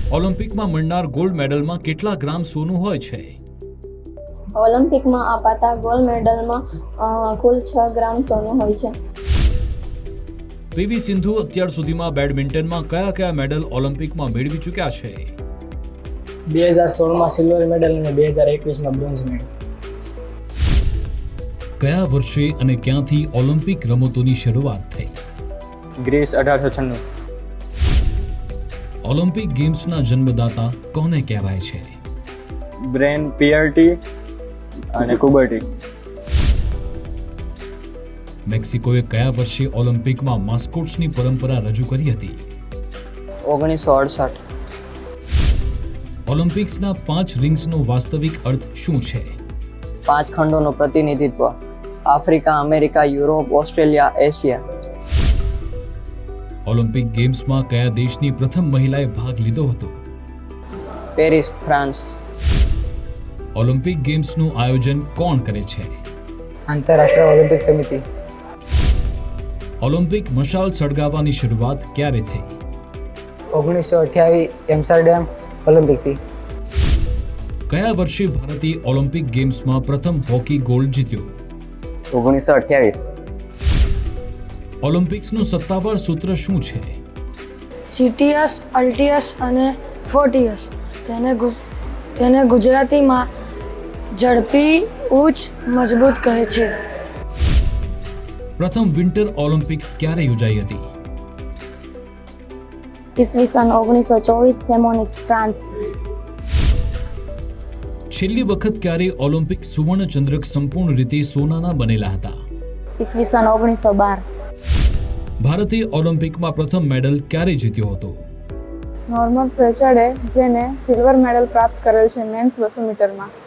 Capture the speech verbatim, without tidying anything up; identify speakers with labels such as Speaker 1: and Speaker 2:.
Speaker 1: ઓલિમ્પિકમાં મળનાર gold મેડલમાં કેટલા ગ્રામ સોનું હોય છે?
Speaker 2: ઓલિમ્પિકમાં અપાતા ગોલ્ડ મેડલમાં અ, કુલ છ ગ્રામ સોનું હોય છે.
Speaker 1: પીવી સિંધુ અત્યાર સુધીમાં બેડમિન્ટનમાં કયા કયા મેડલ ઓલિમ્પિકમાં મેળવી ચૂક્યા છે?
Speaker 3: બે હજાર સોળમાં સિલ્વર મેડલ અને બે હજાર એકવીસમાં બ્રોન્ઝ મેડલ.
Speaker 1: કયા વર્ષે અને ક્યાંથી ઓલિમ્પિક રમતોની શરૂઆત થઈ?
Speaker 4: ગ્રીસ અઢારસો છન્નું.
Speaker 1: ઓલિમ્પિક ગેમ્સના જન્મદાતા કોને કહેવાય છે?
Speaker 4: બ્રેન પિયર્ટી અને કુબર્ટી.
Speaker 1: મેક્સિકોએ કયા વર્ષે ઓલિમ્પિકમાં માસ્કોટ્સની પરંપરા રજૂ કરી હતી?
Speaker 3: ઓગણીસો અડસઠ.
Speaker 1: ઓલિમ્પિક્સના પાંચ રિંગ્સનો વાસ્તવિક અર્થ શું છે?
Speaker 3: પાંચ ખંડોનું પ્રતિનિધિત્વ. Africa, America, Europe, Australia, Asia.
Speaker 1: Olympic ગેમ્સમાં કયા દેશની પ્રથમ મહિલાએ ભાગ લીધો હતો?
Speaker 3: Paris, France.
Speaker 1: ઓલિમ્પિક ગેમ્સનું આયોજન કોણ કરે છે?
Speaker 3: આંતરરાષ્ટ્રીય ઓલિમ્પિક સમિતિ.
Speaker 1: ઓલિમ્પિક મશાલ સળગાવવાની શરૂઆત ક્યારે થઈ?
Speaker 3: ઓગણીસો અઠ્યાવીસ એમ્સ્ટરડેમ ઓલિમ્પિકથી.
Speaker 1: કયા વર્ષે ભારતે ઓલિમ્પિક ગેમ્સમાં પ્રથમ હોકી ગોલ્ડ જીત્યો?
Speaker 3: ઓગણીસો અઠ્યાવીસ.
Speaker 1: ઓલિમ્પિક્સનું સત્તાવાર સૂત્ર શું છે?
Speaker 5: સીટીએસ, અલ્ટીએસ અને ફોર્ટીએસ. તેને ગુજ- તેને ગુજરાતીમાં ઝડપી, ઉચ્ચ, મજબૂત કહે છે.
Speaker 1: પ્રથમ વિન્ટર ઓલિમ્પિક્સ ક્યારે યોજાઈ હતી?
Speaker 2: ઈસવીસન ઓગણીસો ચોવીસ સેમોનિક, ફ્રાન્સ.
Speaker 1: છેલ્લી વખત ક્યારે ઓલિમ્પિક સુવર્ણ ચંદ્રક સંપૂર્ણ રીતે સોનાના બનેલા હતા?
Speaker 2: ઈસવીસન ઓગણીસો બાર.
Speaker 1: ભારતે ઓલિમ્પિકમાં પ્રથમ મેડલ ક્યારે જીત્યો હતો?
Speaker 6: નોર્મન પ્રેચર્ડે, જેને સિલ્વર મેડલ પ્રાપ્ત કરેલ છે મેન્સ બસો મીટરમાં.